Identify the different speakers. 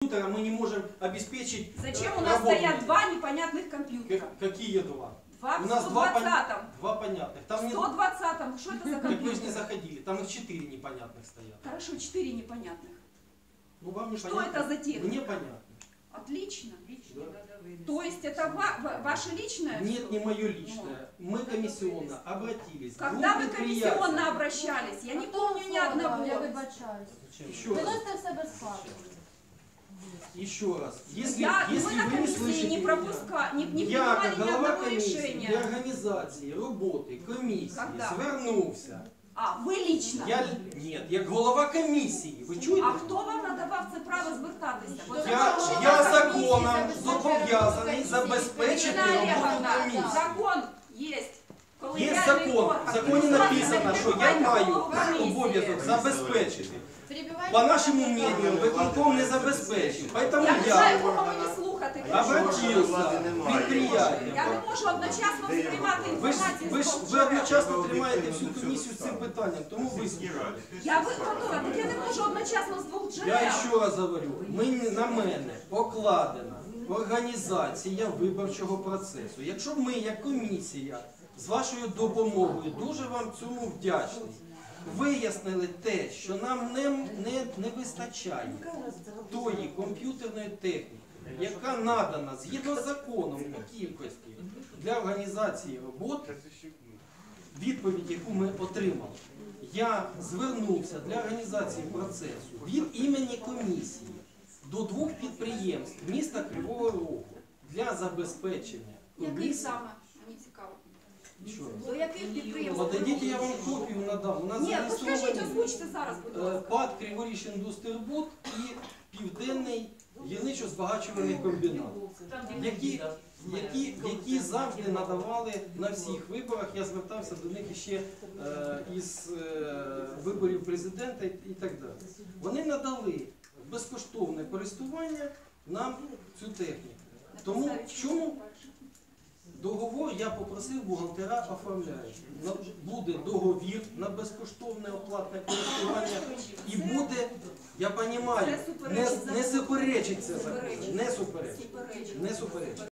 Speaker 1: компьютера мы не можем обеспечить
Speaker 2: Зачем у нас
Speaker 1: работу?
Speaker 2: стоят два непонятных компьютера?
Speaker 1: Какие два?
Speaker 2: Два
Speaker 1: У
Speaker 2: в
Speaker 1: нас два
Speaker 2: 120-м.
Speaker 1: понятных.
Speaker 2: В
Speaker 1: Там не...
Speaker 2: 120-м. Что это за
Speaker 1: Так вы же не
Speaker 2: компьютер?
Speaker 1: заходили, там их 4 непонятных стоят.
Speaker 2: Хорошо, 4 непонятных.
Speaker 1: Ну вам не
Speaker 2: Что
Speaker 1: понятно?
Speaker 2: это за техника?
Speaker 1: Мне понятно.
Speaker 2: Отлично.
Speaker 1: Да.
Speaker 2: То есть это ваше личное?
Speaker 1: Нет, не мое личное. Мы комиссионно обратились. к
Speaker 2: Когда
Speaker 1: двум
Speaker 2: вы
Speaker 1: предприятиям.
Speaker 2: комиссионно обращались? Я не помню ни
Speaker 3: Я
Speaker 2: одного.
Speaker 3: вибачаюсь.
Speaker 1: Еще раз.
Speaker 3: Виносите в себе скаргу.
Speaker 1: Еще раз. Если,
Speaker 2: Мы
Speaker 1: если
Speaker 2: на
Speaker 1: вы не
Speaker 2: комиссии
Speaker 1: слышите
Speaker 2: не
Speaker 1: меня,
Speaker 2: пропускали, не
Speaker 1: я,
Speaker 2: принимали
Speaker 1: как
Speaker 2: ни
Speaker 1: голова
Speaker 2: одного
Speaker 1: комісії
Speaker 2: решения.
Speaker 1: для організації роботи комісії
Speaker 2: Когда?
Speaker 1: звернувся.
Speaker 2: А, ви лично?
Speaker 1: Ні, як голова комісії. Ви чуєте?
Speaker 2: А хто вам надавав це право звертатися? От
Speaker 1: Я законом зобов'язаний забезпечити
Speaker 2: Ірина
Speaker 1: роботу
Speaker 2: Олеговна,
Speaker 1: комісії.
Speaker 2: закон є.
Speaker 1: Є закон. В законі написано, що я маю обов'язок забезпечити. По нашему мнению, виконком не забезпечив. Поэтому
Speaker 2: Я не знаю,
Speaker 1: я
Speaker 2: кого мені слухати.
Speaker 1: обратився к предприятиям.
Speaker 2: Я не можу одночасно сприймати інформацію з
Speaker 1: Ви одночасно тримаєте всю комісію з цим питанням, тому ви...
Speaker 2: Я виконала, так я не можу одночасно з двох джерел.
Speaker 1: Я ще раз говорю, на мене покладена організація виборчого процесу. Якщо ми, як комісія, з вашою допомогою, дуже вам цьому вдячні, вияснили те, що нам не вистачає тої комп'ютерної техніки, яка надана згідно з законом по кількості для організації роботи, відповідь, яку ми отримали, я звернувся для організації процесу від імені комісії до двох підприємств міста Кривого Рогу для забезпечення
Speaker 2: Яких
Speaker 1: комісії.
Speaker 2: саме? Мені цікаво.
Speaker 1: Що?
Speaker 2: До яких підприємств?
Speaker 1: Подадіть, я вам копію надам. У нас
Speaker 2: Ні, ну скажіть,
Speaker 1: зареєстровані
Speaker 2: озвучте зараз, будь ласка.
Speaker 1: ПАД Криворіжіндустрибуд і Південний гірничо-збагачувальний комбінат, які завжди надавали на всіх виборах. Я звертався до них ще із виборів президента і так далі. Вони надали безкоштовне користування нам цю техніку. Тому в чому договор я попросив бухгалтера оформляти. Буде договір на безкоштовне оплатне користування і буде, я розумію, не суперечить це закону, не суперечить.